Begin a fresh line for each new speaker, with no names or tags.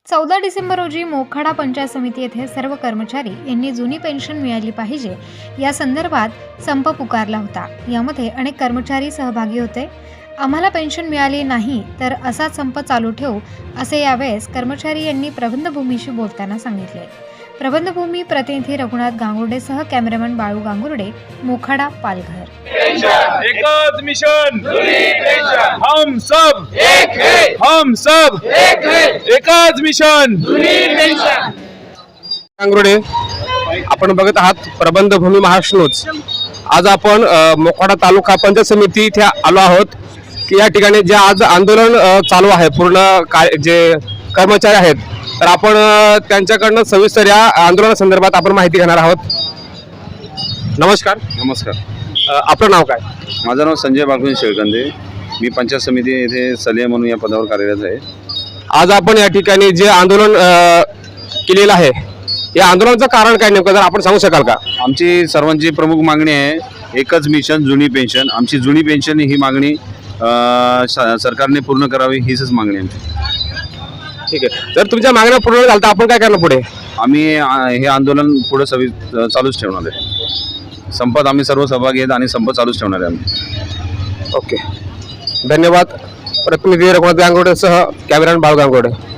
14 डिसेंबर रोजी मोखाडा पंचायत समिती येथे सर्व कर्मचारी यांनी जुनी पेन्शन मिळाली पाहिजे या संदर्भात संप पुकारला होता। यामध्ये अनेक कर्मचारी सहभागी होते। आम्हाला पेन्शन मिळाली नाही तर असा संप चालू ठेवू असे यावेळेस कर्मचारी यांनी प्रबंधभूमीशी बोलताना सांगितले। प्रबंधभूमी प्रतिनिधी रघुनाथ गांगुर्डेसह कॅमेरामॅन बाळू गांगुर्डे, मोखाडा, पालघर।
एकच मिशन, हम सब एक है, हम सब एक है, एकच मिशन।
गांगुर्डे, आपण बघत आहात प्रबंधभूमी महाराष्ट्र न्यूज। आज आपण मोखाडा तालुका पंचायत समिती इथे आलो आहोत की या ठिकाणी जे आज आंदोलन चालू आहे पूर्ण जे कर्मचारी आहेत, तर आपण त्यांच्याकडनं सविस्तर या आंदोलनासंदर्भात आपण माहिती घेणार आहोत। नमस्कार।
नमस्कार,
आपलं नाव काय?
माझं नाव संजय बाळकृष्ण शेळकंदे। मी पंचायत समिती येथे सल्ले म्हणून या पदावर कार्यरत आहे।
आज आपण या ठिकाणी जे आंदोलन केलेलं आहे, या आंदोलनाचं कारण काय नेमकं जर आपण सांगू शकाल का?
आमची सर्वांची प्रमुख मागणी आहे एकच मिशन जुनी पेन्शन। आमची जुनी पेन्शन ही मागणी सरकारने पूर्ण करावी, हीच मागणी आमची।
ठीक आहे, जर तुमच्या मागण्या पूर्ण झाल्या तर आपण काय करणार पुढे?
आम्ही हे आंदोलन पुढे चालूच ठेवणार आहे। संपात आम्ही सर्व सहभागी आहेत आणि संप चालूच ठेवणार आहे आम्ही।
ओके, धन्यवाद। प्रतिनिधी रघुनाथ गांगुर्डेसह कॅमेरामॅन बाळू गांगुर्डे।